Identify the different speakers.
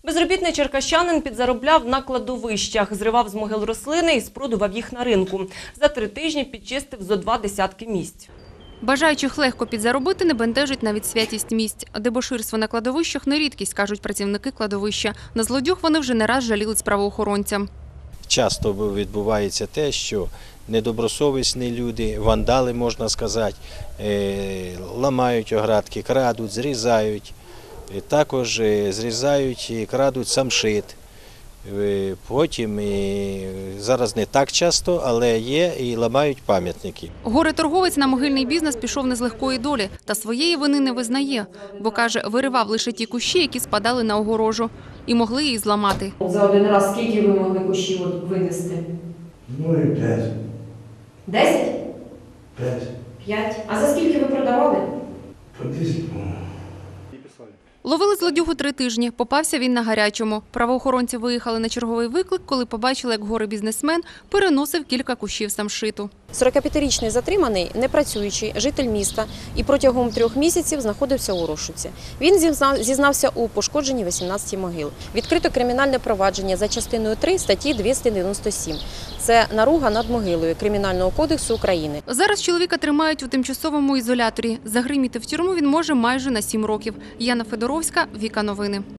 Speaker 1: Безробітний черкащанин підзаробляв на кладовищах, зривав з могил рослини і спродував їх на ринку. За 3 тижні підчистив зо 2 десятки місць.
Speaker 2: Бажаючих легко підзаробити не бентежить навіть святість місць. Дебоширство на кладовищах – не рідкість, кажуть працівники кладовища. На злодюг вони вже не раз жалілись правоохоронцям.
Speaker 3: Часто відбувається те, що недобросовісні люди, вандали, можна сказати, ламають оградки, крадуть, зрізають. Також зрізають і крадуть самшит. Потім, зараз не так часто, але є і ламають пам'ятники.
Speaker 2: Горе-торговець на могильний бізнес пішов не з легкої долі та своєї вини не визнає, бо, каже, виривав лише ті кущі, які спадали на огорожу, і могли її зламати.
Speaker 4: За один раз скільки ви могли кущів винести?
Speaker 5: Ну і 5.
Speaker 4: 10?
Speaker 5: 5.
Speaker 4: 5. А за скільки ви продавали?
Speaker 5: По 10, по-моєму.
Speaker 2: Ловили злодюгу 3 тижні. Попався він на гарячому. Правоохоронці виїхали на черговий виклик, коли побачили, як горе-бізнесмен переносив кілька кущів самшиту.
Speaker 6: 45-річний затриманий, непрацюючий, житель міста і протягом 3 місяців знаходився у розшуці. Він зізнався у пошкодженні 18 могил. Відкрито кримінальне провадження за частиною 3 статті 297. Це наруга над могилою Кримінального кодексу України.
Speaker 2: Зараз чоловіка тримають у тимчасовому ізоляторі. Загриміти в тюрму він може майже на 7 років. Яна Федоровська, Віка Новини.